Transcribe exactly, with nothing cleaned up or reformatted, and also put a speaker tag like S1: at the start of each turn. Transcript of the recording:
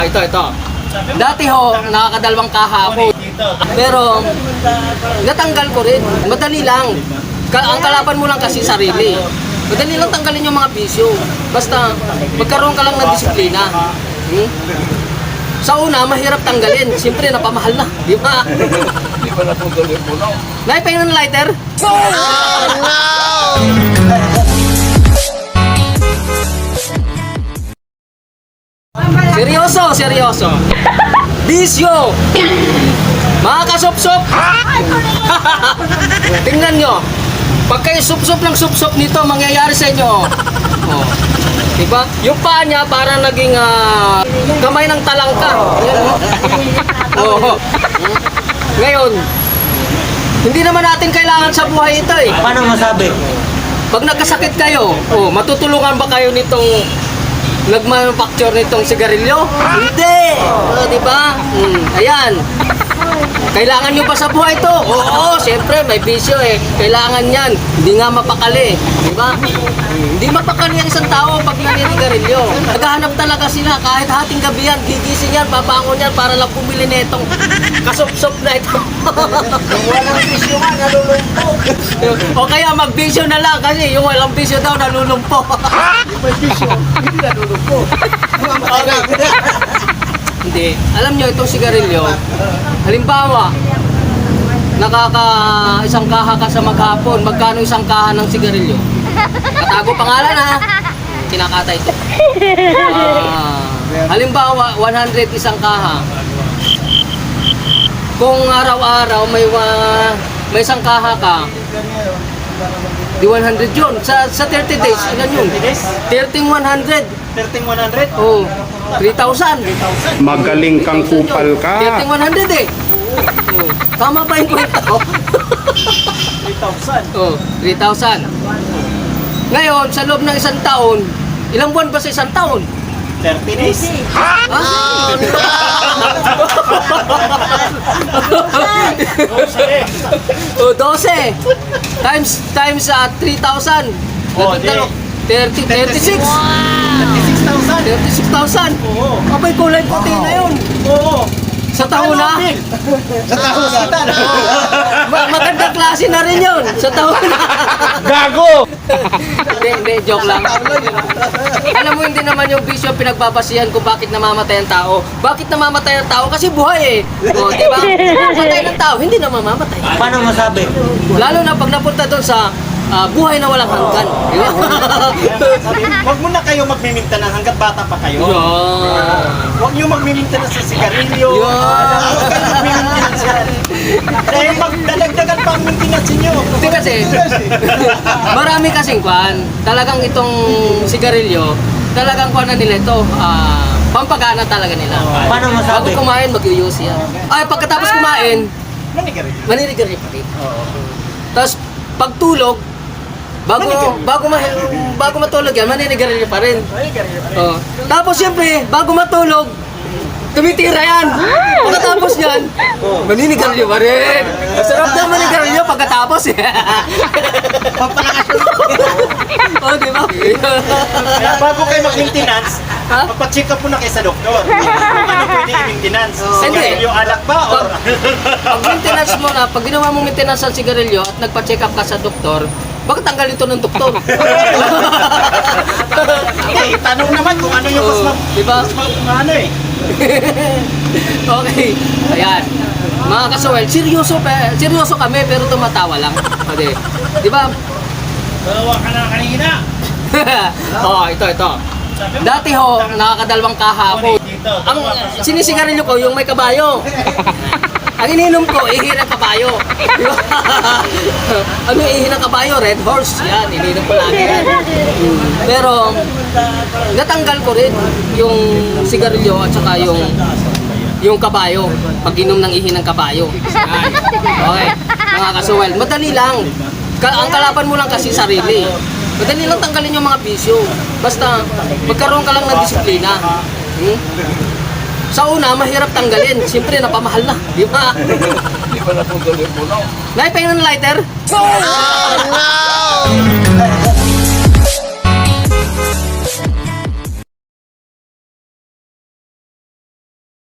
S1: Ito, ito. Dati ho, nakakadalawang kaha ako. Pero, natanggal ko rin. Madali lang. Ka ang kalaban mo lang kasi sarili. Madali lang tanggalin yung mga bisyo. Basta, magkaroon ka lang ng disiplina. Hmm? Sa una, mahirap tanggalin. Siyempre, napamahal na. Di ba?
S2: Di ba natutuloy po no?
S1: Naipay ng lighter?
S3: Oh, no!
S1: Seryoso, seryoso. Bisyo! Mga kasop-sop! Tingnan nyo. Pag kayo sup-sup ng sup-sup nito, mangyayari sa inyo. Oh. Diba? Yung paa niya parang naging uh, kamay ng talangka. Oh. Ngayon, hindi naman natin kailangan sa buhay ito eh.
S3: Paano masabi?
S1: Pag nagkasakit kayo, oh, matutulungan ba kayo nitong nagmanufacture nitong sigarilyo? Hindi! Oh, di ba? Hmm, ayan. Kailangan nyo ba sa buhay to? Oo, siyempre may bisyo eh. Kailangan yan. Hindi nga mapakali. Di ba? Hindi mapakali ang isang tao pag naninigarilyo. Naghahanap talaga sila. Kahit hating gabi yan, gigising yan, babangon yan para lang pumili netong kasop-sop na ito.
S3: Yung walang bisyo nga, nalulumpo.
S1: O kaya mag-bisyo na lang kasi yung walang bisyo daw nalulumpo.
S3: Yung may bisyo, hindi nalulumpo.
S1: Hindi. Alam nyo, itong sigarilyo, halimbawa, nakaka isang kaha ka sa maghapon, magkano isang kaha ng sigarilyo? Katago pangalan ha? Kinakata ito. Ah, halimbawa, one hundred isang kaha. Kung araw-araw may wa, may isang kaha ka, di one hundred yun. Sa, sa thirty days, ilan yun? thirteen one hundred.
S3: thirteen one hundred?
S1: Oh, three thousand.
S2: Magaling kang kupal ka.
S1: thirteen one hundred eh. Oh, tama ba yung kwenta ko?
S3: three thousand.
S1: Oh, three thousand. Ngayon, sa loob ng isang taon, ilang buwan ba sa isang taon?
S3: thirty days.
S1: Ah? Oh, twelve. Times, times uh, three thousand.
S3: Oh, di.
S1: thirty, thirty-six.
S3: thirty-six thousand.
S1: thirty-six thousand.
S3: Oo.
S1: Abay, kulay puti na yun.
S3: Oo.
S1: Sa taon na.
S3: Sa taon na.
S1: Ma- magandang klase na rin yun. Sa taon na.
S2: Gago!
S1: Hindi, hindi, joke lang. Alam mo, hindi naman yung bisyo pinagbabasihan kung bakit namamatay ang tao. Bakit namamatay ang tao? Kasi buhay eh. O, di ba? Kung patay ng tao, hindi na mamamatay.
S3: Paano masabi?
S1: Lalo na pag napunta doon sa ah, buhay na walang hanggan. Di ba?
S4: Sabi, huwag mo na kayo magmimintanan hanggat bata pa kayo.
S1: Yan.
S4: Huwag nyo magmimintanan sa sigarilyo.
S1: Yan.
S4: Huwag kayo magmimintanan sa... Dahil magdadagdagan pa ang maintenance nyo.
S1: Hindi kasi, marami kasing kwan. Talagang itong sigarilyo, talagang kwan na nila ito, ah, pampagana talaga nila.
S3: Paano
S1: Bago
S3: masabi?
S1: kumain, mag-use yan. Ay, pagkatapos kumain,
S4: Manigarilyo.
S1: maninigarilyo pa rin. Tapos, pagtulog, bago bago ma bago matulog yan, maninigarilyo pa rin.
S4: Manigarilyo pa rin.
S1: Oh. Tapos siyempre, bago matulog, tumitira yan. Pagkatapos yan, maninigarilyo pa rin. Sarap na maninigarilyo pagkatapos eh. Oh, di ba?
S4: Kaya bago kayo mag-maintenance,
S1: Ha?
S4: magpa-check up muna kayo sa doktor. Kung ano pwede i-maintenance.
S1: Hindi.
S4: Sigarilyo alak ba? Or...
S1: Pag maintenance mo na, pag ginawa mong maintenance ng sigarilyo at nagpa-check up ka sa doktor, bakit tanggalin ito ng doktor?
S4: Hindi, tanong naman kung ano yung mas
S1: Oh,
S4: ma...
S1: di ba?
S4: Mas ma... ano eh.
S1: Okay. Ayan. Mga kasawel, seryoso, pe, seryoso kami pero tumatawa lang. Okay. Di ba?
S4: Dalawa ka na kanina.
S1: Oh, ito, ito. Dati ho, nakakadalawang kaha ako. Ang sinisigarilyo ko, yung may kabayo. Ang ininom ko, ihi ng kabayo. Di ba? Ano yung ihi ng kabayo? Red horse. Yan, ininom ko lagi yan. Pero, natanggal ko rin yung sigarilyo at saka yung yung kabayo. Pag inom ng ihi ng kabayo. Yan. Okay. Mga kasuwel, madali lang. Ka ang kalaban mo lang kasi sarili. Madali lang tanggalin yung mga bisyo. Basta, magkaroon ka lang ng disiplina. Hmm? Sa una, mahirap tanggalin. Siyempre, napamahal na. Di ba?
S2: Di ba natutuloy po no?
S1: Naipay ng lighter?
S3: Oh, no!